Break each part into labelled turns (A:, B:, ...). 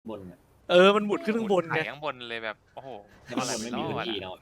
A: บนอะ
B: มันหมุนขึ้นข้างบนไง
C: ข้างบนเลยแบบโอ้โห
A: ข้างบนไม่มีพื้นที่แล้ว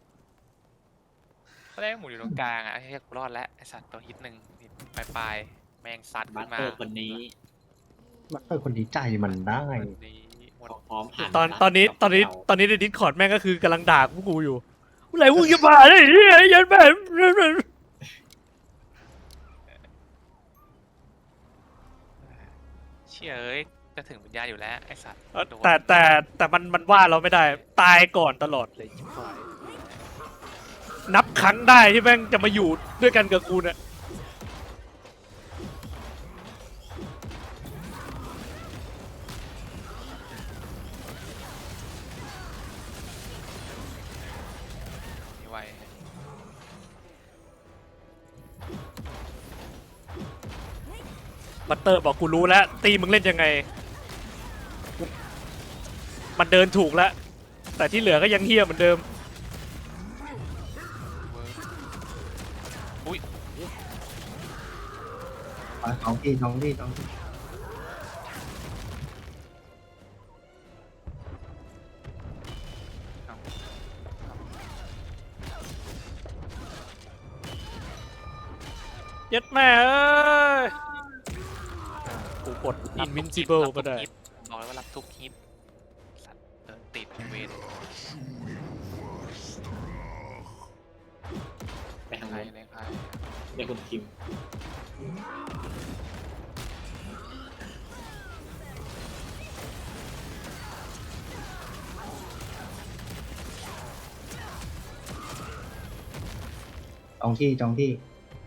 C: ก็ได้หมุนอยู่ตรงกลางอ่ะไอ้เหี้ยกูรอดแล้วไอ้สัตว์ตัวฮิตหนึ่งปลายแมงซัด
A: บั
C: ขึ้
A: ต
C: น
A: เต
C: มา
A: อร์คนนี้
D: มัตเตอร์คนนี้ใจมันได้
C: คนนี้หมด
A: พร้อมผ่าน
B: ตอนนี้ในดิสคอร์ดแม่งก็คือกำลังด่าพวกกูอยู่อะไรพวกจะผ่านได้เฮียยันแบบ
C: เชี่ยเอ้ยจะถึงวิญญาณอยู่แล้วไอ้สัตว์โดน
B: แต่มันว่าเราไม่ได้ ตายก่อนตลอดเลยชิบหายนับครั้งได้ที่แม่งจะมาอยู่ด้วยกันกับกูเนี่ย
C: ไม่ไหว
B: บัตเตอร์บอกกูรู้แล้วตีมึงเล่นยังไง มันเดินถูกแล้ว แต่ที่เหลือก็ยังเฮี้ยเหมือนเดิม
C: อุ้ย
D: ท้องที่
B: ยัดแม่เอ้ยกูกด invincible ก็ได้
C: บอกเลยว่ารับทุกฮิตสัตว์เดินติดเวท
A: ไปทาง
C: ใคร
A: นู้น
C: เลยใคร
A: ในคุณคิม
D: จองที่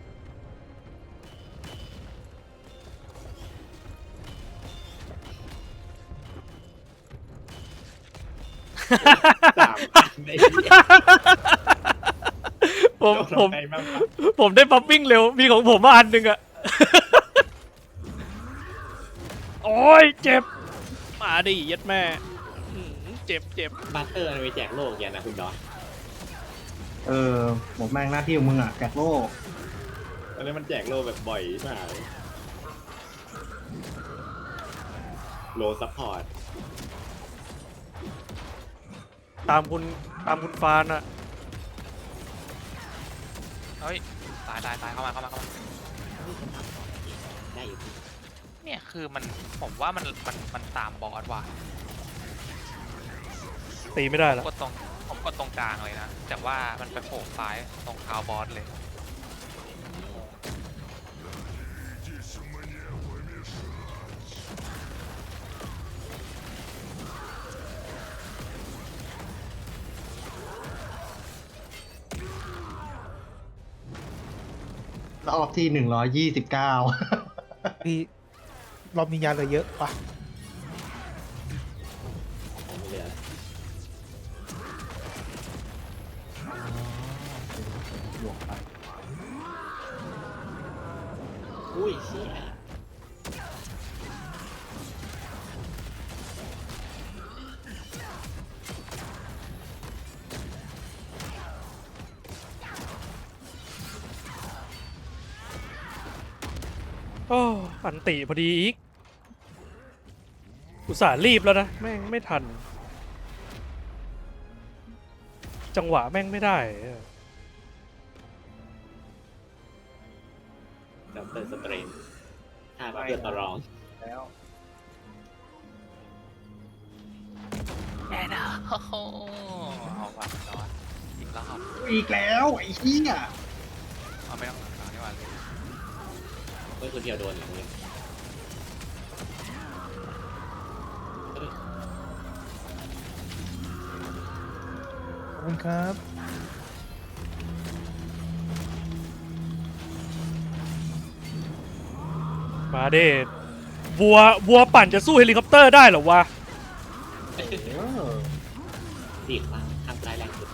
A: 3 อันใน
B: ผมผมได้ปั๊มวิ่งเร็ว มีของผมมาอันหนึ่งอะ โอ้ยเจ็บ มาดิยัดแม่เจ็บ
A: บัตเตอร์มันไปแจกโลกอย่างนะคุณดอน
D: หมดแม่งหน้าที่ของมึงอ่ะแจกโลก
A: ตอนนี้มันแจกโลกแบบบ่อยมากโลซัพพอร์ต
B: ตามคุณฟานอะ
C: เฮ้ยตายเข้ามา
A: ได้อยู่
C: เนี่ยคือผมว่ามันตามบอสว่ะ
B: ตีไม่ได้แล้ว
C: ผมกดตรงกลางเลยนะแต่ว่ามันไปโผล่ซ้ายตรงเท้าบอสเลย
D: รอบที่129
E: พี่รอบนี้ยาเหลือเยอะปะ
A: ไม่เหลืออุ้ยเชี่ย
B: โอ้อันติพอดีอีก อุตส่าห์รีบแล้วนะ แม่งไม่ทัน จังหวะแม่งไม่ได้
A: ด็อกเตอร์สเตรนถ้าเพื่อนต่อรอง
D: แล้ว
C: แอนนาโอ้โหเอาว่ะนอนอีกรอบ
D: อีกแล้วไอ้เหี้ย
C: เอาไม่ต้องนอนดีกว่าเลย
A: เพื่อนคนเดียวโดนอย่างนี้
E: ขอบคุณครับ
B: มาเดชวัวปั่นจะสู้เฮลิคอปเตอร์ได้เหรอวะ
A: ตีข้างซ้ายแรงสุด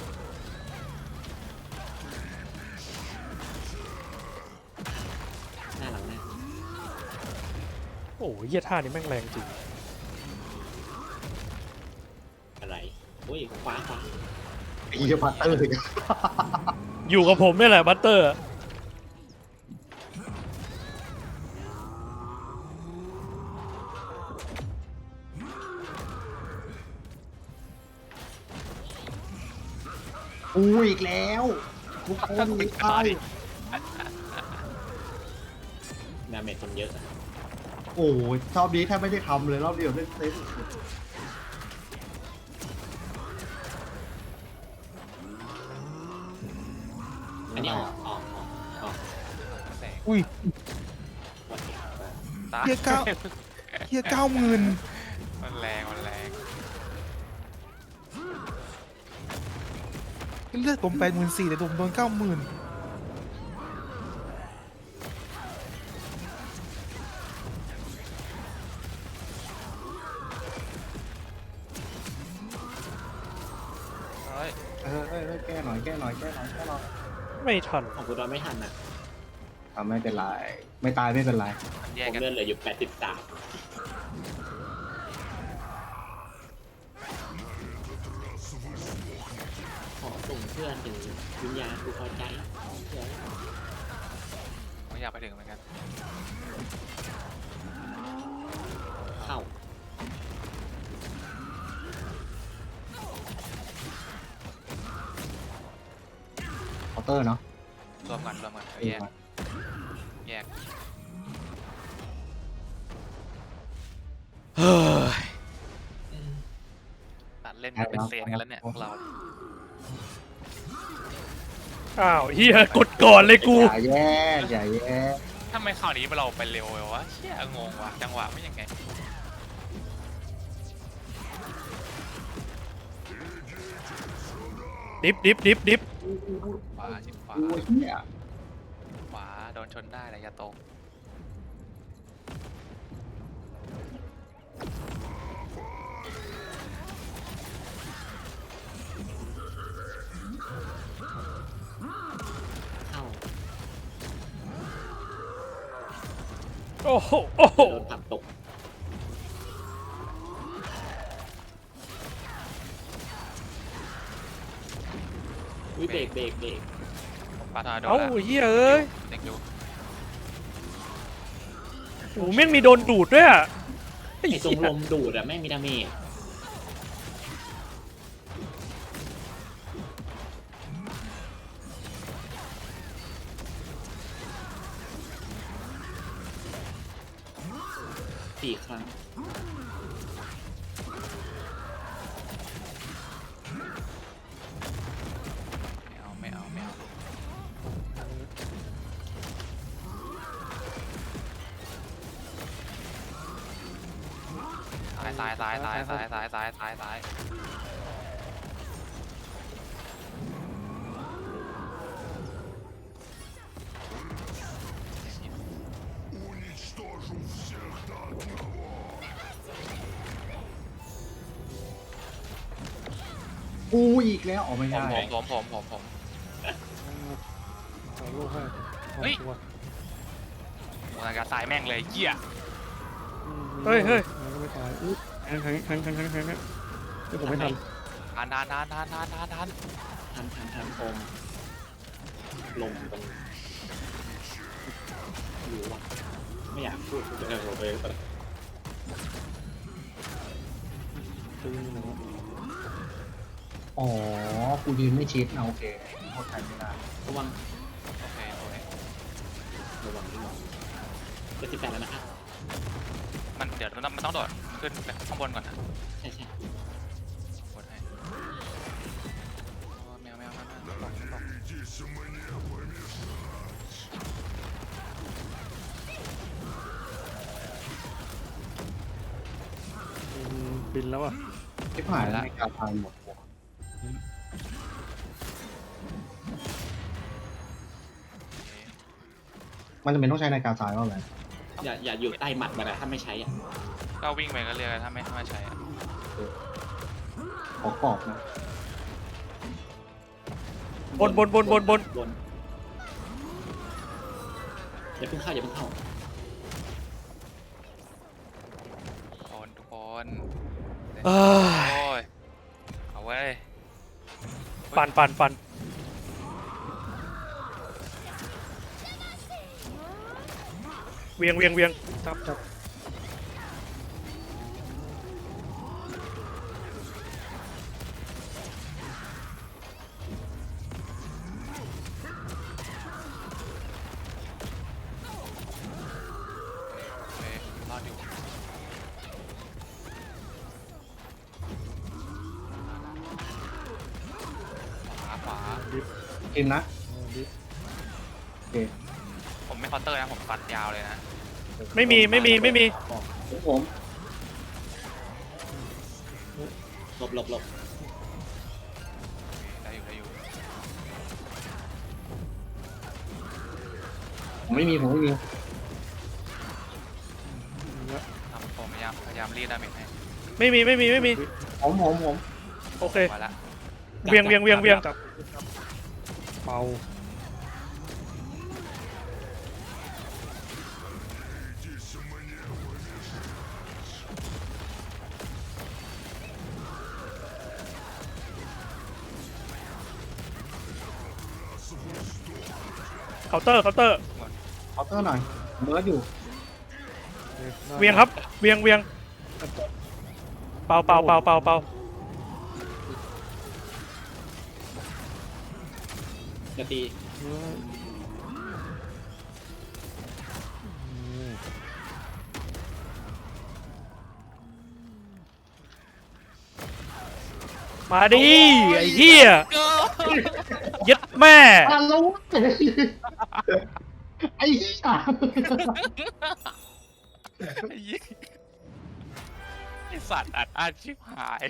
A: หน้าหลังหน้า
B: โอ้ยเหี้ยท่านี้แม่งแรงจริง
A: อะไรอุ้ยขวา
D: ไอ้เหี้ยมัตเตอร์
B: อยู่กับผมนี่แหละบัตเตอร์
D: กูอีกแล้วทุกคนไม่ใช่
A: ดาเมจคนเยอะอะ
D: โอ้ยรอบนี้แทบไม่ได้ทำเลยรอบเดียวเล่นเซฟสุด
A: อันนี้ออก
C: แสง
E: อุ้ย
A: วันนี้
C: ตา
E: เฮียเก้าเฮีย90,000
C: มันแรงมันแรง
E: เลือดผม84,000แต่ผมโดน90,000
C: เฮ้ย
D: แก้หน่อยแก้หน่อย
B: ไม่ทัน
A: ของกูตอนไม่ทันนะ
D: ไม่เป็นไรไม่ตายไม่เป็นไร
C: มันแย
A: ผ
C: ก
A: ม
C: กัน
A: เลื่อนเหลืออยู่83ขอส่งเพื่อนถึงวิญญาณกูพอใจเดี๋ยว
C: ผมอยากไปถึงเหมือนกัน
A: เข้า
D: เคาน์เตอร์เนาะ
C: รวมกันแยกแยก
B: เฮ้ย
C: ตัดเล่นกันเป็นเซนกันแล้วเนี่ยพวกเรา
B: อ้าวเฮียกดก่อนเลยกู
D: อย่าแย่
C: ทำไมข่าวนี้เราไปเร็ววะเชี่ยงงวะจังหวะไม่ยังไง
B: ดิฟ
C: ขวาชิดขวา
D: โอ้ยเนี่ย
C: ขวาโดนชนได้ระยะตรง
A: เข้า
B: โอ้โหโอ้โห
A: โดนผักตกวิเบรก
C: ปาทาโดน
B: เอ้า
C: แล้ว
B: เฮียเอ้ย
C: เด็กอยู่
B: โอ้แม่งมีโดนดูดด้วยอะไอ้
A: ไอ้ตร
B: เหี้
A: ง
B: ย
A: ลมดูดอะไม่มีดาเมจ4 ครั้ง
C: ไม่เอาซ้าย
D: กูอีกแล้วออกไม่ได้
C: ผม
E: เอาลูกให้
C: เฮ้ย โมนาการตายแม่งเลยเหี้ย
B: เฮ้ย
E: มันก็ไม่ตายอุ๊ยแทงที่ผมไม่ทัน
C: นาน
A: ทันโอมลมตรงอยู่วะไม่อยากพูดเลย
D: อ๋อกูยืนไม่ชิดเอาโอเคโทษใครไม่ได้
A: ระวัง
C: โอเค
A: ระวังจะ18แล้วนะครับ
C: มันเดี๋ยวมันต้องโดดขึ้นไปข้างบนก่อนนะ
A: ใช่
C: กดให้แมว
E: บินแล้วอ่ะ
D: ที่ผ่านแล้วในการทายหมดหัวมันจะเป็นต้องใช้ในการทายว่าอะไร
A: อย่าอยู่ใต้หมัดมันนะถ้าไม่ใช้อ่ะ
C: ก็วิ่งไปก็เรียกถ้าไม่ใช่อะ
D: ขอกรอบนะ
B: บน
A: อย่าเพิ่งเข้า
C: ทุกคน
B: เอ้ย
C: โอ้ยเอาไว้ย
B: ปั่นเวียงจับ
D: กินนะโอเค
C: ผมไม่เคาน์เตอร์นะผมฟันยาวเลยนะ
B: ไม่มี
D: ผม
A: หลบ
C: ได้อยู่
D: ผมไม่มี
C: ผมพยายามรีดดาเมจให้
B: ไม่มี
D: ผม
B: โอเค
C: มาละ
B: เวียง
E: จับเป่า
B: เคาน์เตอร์
D: เคาน์เตอร์หน่อยเบิร์ดอยู่
B: เวียงครับ เวียงเป่า
A: จะตี
B: มาดิไอ้เหี้ยยัดแม่
D: อ่ะแล้วไอ้เหี้ย
C: ไอสัตว์อัดอั้นชิบหาย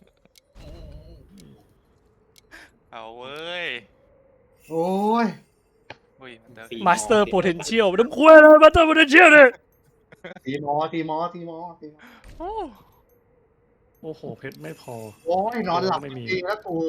C: เอาเว้ย
D: โอ้ย
C: อุ้ยมันเดิน
B: มาสเตอร์โพเทนเชียลน้ำคุ้ยเลยมาสเตอร์โพเทนเชียลเนี่ย
D: ทีมอ
B: โอ้โหเพชรไม่พอ
D: โอ้ยนอนหลับ
B: ไม่มี
D: จริงแล้วกู